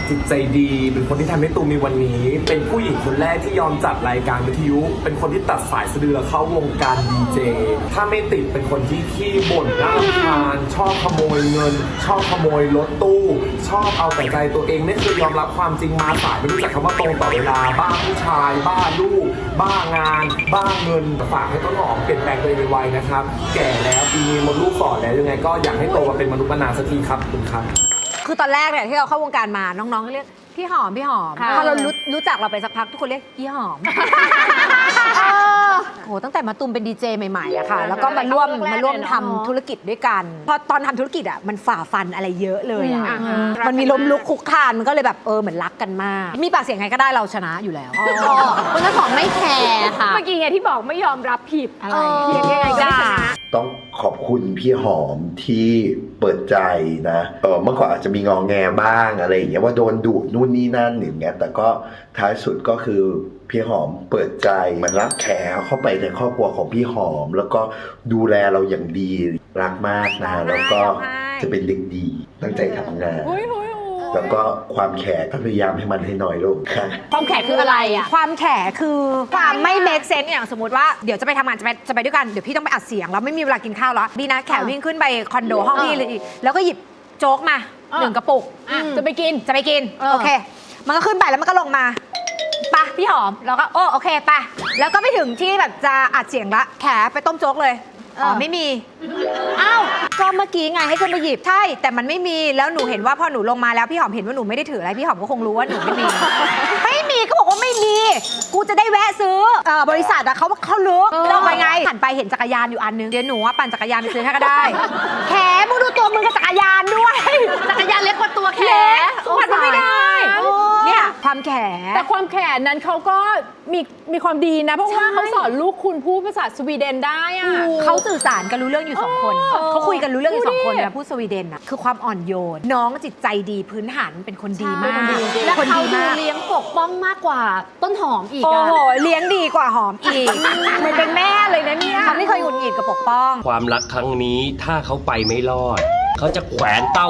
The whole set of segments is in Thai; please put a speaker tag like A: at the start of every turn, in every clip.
A: จิตใจดีเป็นคนที่ทำให้ตูมมีวันนี้เป็นผู้หญิงคนแรกที่ยอมจัดรายการวิทยุเป็นคนที่ตัดสายสะดือเข้าวงการดีเจถ้าไม่ติดเป็นคนที่ขี้บ่นน่ารำคาญชอบขโมยเงินชอบขโมยรถตู้ชอบเอาแต่ใจตัวเองไม่เคยยอมรับความจริงมาสายไม่รู้จักคำว่าตรงต่อเวลาบ้าผู้ชายบ้าลูกบ้างานบ้าเงินฝากให้ต้นหอมเปลี่ยนแปลงตัวเองไวๆนะครับแก่แล้วปีนี้มดลูกฝ่อแล้วยังไงก็อยากให้โตมาเป็นมนุษย์มนาสักทีครับคุณครับ
B: คือตอนแรกเนี่ยที่เราเข้าวงการมาน้องๆก็เรียกพี่หอมพี่หอมพอเรารู้จักเราไปสักพักทุกคนเรียกพี่หอมโหตั้งแต่มาตุมเป็นดีเจใหม่ๆอะค่ะแล้วก็มาร่วมทำธุรกิจด้วยกันพอตอนทำธุรกิจอะมันฝ่าฟันอะไรเยอะเลยอะมันมีล้มลุกคุกคานมันก็เลยแบบเหมือนรักกันมากมีปากเสียงไงก็ได้เราชนะอยู่แล้ว
C: คุณน้ำหอมไม่แคร์ค่ะ
D: เมื่อกี้ไงที่บอกไม่ยอมรับผิดอะไรเพียงยังไงก็ชนะ
E: ต้องขอบคุณพี่หอมที่เปิดใจนะเมื่อก่อนอาจจะมีงอแงบ้างอะไรอย่างเงี้ยว่าโดนดุนู่นนี่นั่นอย่างเงี้ยแต่ก็ท้ายสุดก็คือพี่หอมเปิดใจมันรับแขกเข้าไปในครอบครัวของพี่หอมแล้วก็ดูแลเราอย่างดีรักมากนะแล้วก็จะเป็นเด็กดีตั้งใจทำงานแล้วก็ความแขกก็พยายามให้มันให้น้อยลงค่ะ
B: ความแขกคืออะไรอะความแขกคือความไม่ make sense อย่างสมมติว่าเดี๋ยวจะไปทำงานจะไปด้วยกันเดี๋ยวพี่ต้องไปอัดเสียงแล้วไม่มีเวลากินข้าวแล้วดีนะแขกวิ่งขึ้นไปคอนโดห้องพี่เลยแล้วก็หยิบโจ๊กมา1 กระปุก
D: จะไปกิน
B: โอเคมันก็ขึ้นไปแล้วมันก็ลงมาปะพี่หอมแล้วก็โอเคปะแล้วก็ไปถึงที่แบบจะอัดเสียงละแขไปต้มโจ๊กเลยไม่มีอ้าวก็เมื่อกี้ไงให้ขึ้นไปหยิบใช่แต่มันไม่มีแล้วหนูเห็นว่าพอหนูลงมาแล้วพี่หอมเห็นว่าหนูไม่ได้ถืออะไรพี่หอมก็คงรู้ว่าหนูไม่มี ไม่มีก็บอกว่าไม่มีกูจะได้แวะซื้อบริษัทอะเขาลึกเราไปไงหันไปเห็นจักรยานอยู่อันนึงเดี๋ยวหนูว่าปั่นจักรยานไปซื้อให้ก็ได้แขมึงดูตัวมึงกับจักรยานด้วย
C: จักรยานเล็กกว่าตัวแข
B: ปั่นไม่ได้เนี่ยความแข
D: แต่ความแขนนั้นเขาก็มีความดีนะเพราะว่าเขาสอนลูกคุณพูดภาษาสวีเดนได้อะ
B: เขาสื่อสารกันรู้เรื่องอยู่2 คนเขาคุยกันรู้เรื่องอยู่2 คนนะพูดสวีเดนอะคือความอ่อนโยนน้องจิตใจดีพื้นฐานเป็นคนดีมาก
C: และเขาดูเลี้ยงปกป้องมากกว่าต้นหอมอีก
B: โอ้โหเลี้ยงดีกว่าหอมอีกเหมือนเป็นแม่เลยนะเนี่ยเขาไม่เคยหงุดหงิดกับปกป้อง
F: ความรักครั้งนี้ถ้าเขาไปไม่รอดเขาจะแขวนเต้า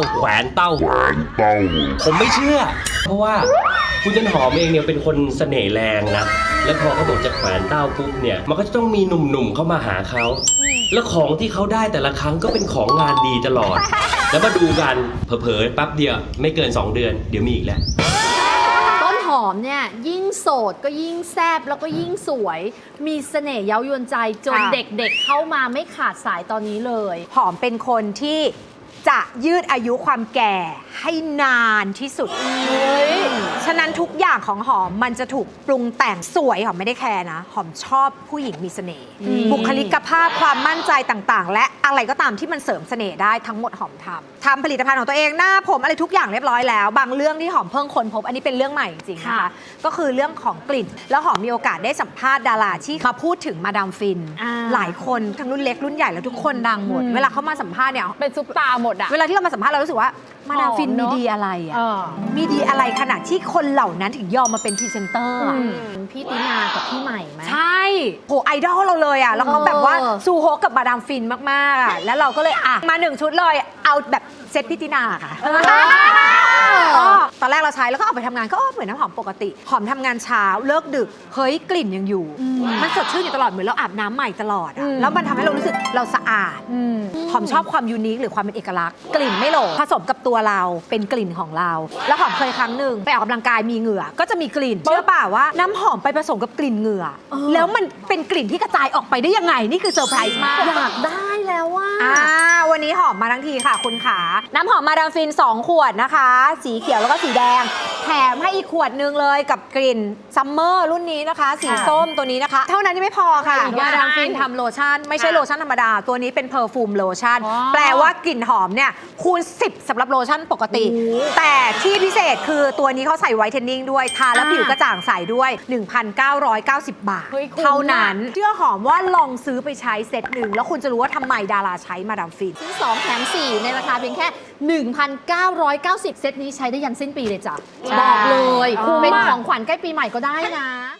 F: ผมไม่เชื่อเพราะว่าคุณต้นหอมเองเนี่ยเป็นคนเสน่ห์แรงนะแล้วพอเขาบอกจะแขวนเต้าปุ๊บเนี่ยมันก็จะต้องมีหนุ่มๆเข้ามาหาเขาแล้วของที่เขาได้แต่ละครั้งก็เป็นของงานดีตลอดแล้วมาดูกันเผลอๆแป๊บเดียวไม่เกิน2 เดือนเดี๋ยวมีอีกแล้ว
C: ต้นหอมเนี่ยยิ่งโสดก็ยิ่งแซ่บแล้วก็ยิ่งสวยมีเสน่ห์เย้ายวนใจจนเด็กๆเข้ามาไม่ขาดสายตอนนี้เลย
B: หอมเป็นคนที่จะยืดอายุความแก่ให้นานที่สุดฉะนั้นทุกอย่างของหอมมันจะถูกปรุงแต่งสวยหอมไม่ได้แคร์นะหอมชอบผู้หญิงมีเสน่ห์บุคลิกภาพความมั่นใจต่างๆและอะไรก็ตามที่มันเสริมเสน่ห์ได้ทั้งหมดหอมทำผลิตภัณฑ์ของตัวเองหน้าผมอะไรทุกอย่างเรียบร้อยแล้วบางเรื่องที่หอมเพิ่งค้นพบอันนี้เป็นเรื่องใหม่จริงๆนะคะก็คือเรื่องของกลิ่นแล้วหอมมีโอกาสได้สัมภาษณ์ดาราที่มาพูดถึงมาดามฟินหลายคนทั้งรุ่นเล็กรุ่นใหญ่แล้วทุกคนดังหมดเวลาเขามาสัมภาษณ์เนี่ย
D: เป็นซุปตาหมดอะ
B: เวลาที่เรามาสัมภาษณ์เรารู้สึกว่ามาดามฟินมีดีอะไรอ่ะมีดีอะไรขนาดที่คนเหล่านั้นถึงยอมมาเป็นพรีเซนเตอร์
C: พี่ตินากับพี่ใหม่ไหม
B: ใช่โหไอดอลเราเลยอ่ะแล้วเขาแบบว่าซูโฮกับมาดามฟินมากๆอ่ะแล้วเราก็เลยมา1 ชุดเลยเอาแบบเซตพี่ตินาค่ะตอนแรกเราใช้แล้วก็ออกไปทำงานก็เหมือนน้ำหอมปกติหอมทำงานเช้าเลิกดึกเฮ้ยกลิ่นยังอยู่มันสดชื่นอยู่ตลอดเหมือนเราอาบน้ำใหม่ตลอดอ่ะแล้วมันทำให้เรารู้สึกเราสะอาดหอมชอบความยูนิคหรือความเป็นเอกลักษณ์กลิ่นไม่โหลผสมกับตัวเราเป็นกลิ่นของเราแล้วหอมเคยครั้งหนึ่งไปออกกำลังกายมีเหงื่อก็จะมีกลิ่นเชื่อป่าว่าน้ำหอมไปผสมกับกลิ่นเหงื่อแล้วมันเป็นกลิ่นที่กระจายออกไปได้ยังไงนี่คือเซอร์ไพรส์มาก
C: อยากได้แล้วว่า
B: วันนี้หอมมาทั้งทีค่ะคุณขาน้ำหอมมาดามฟิน2 ขวดนะคะสีเขียวแล้วก็สีแดงแถมให้อีกขวดนึงเลยกับกลิ่นซัมเมอร์รุ่นนี้นะคะสีส้มตัวนี้นะคะเท่านั้นยังไม่พอค่ะมาดามฟินทำโลชั่นไม่ใช่โลชั่นธรรมดาตัวนี้เป็นเพอร์ฟูมโลชั่นแปลว่ากลิ่นหอมเนี่ยคูณ10สำหรับโลชั่นปกติแต่ที่พิเศษคือตัวนี้เขาใส่ไวท์เทนนิ่งด้วยทาแล้วผิวกระจ่างใสด้วย 1,990 บาทเท่านั้นเชื่อหอมว่าลองซื้อไปใช้เซตหนึ่งแล้วคุณจะรู้ว่าทำไมดาราใช้มาดามฟิน
C: ซื้อ2แถม4ในราคาเพียงแค่ 1,990 เซตนี้ใช้ได้ยันสิ้นปีเลยจ้ะบอกเลยเป็นของขวัญใกล้ปีใหม่ก็ได้นะ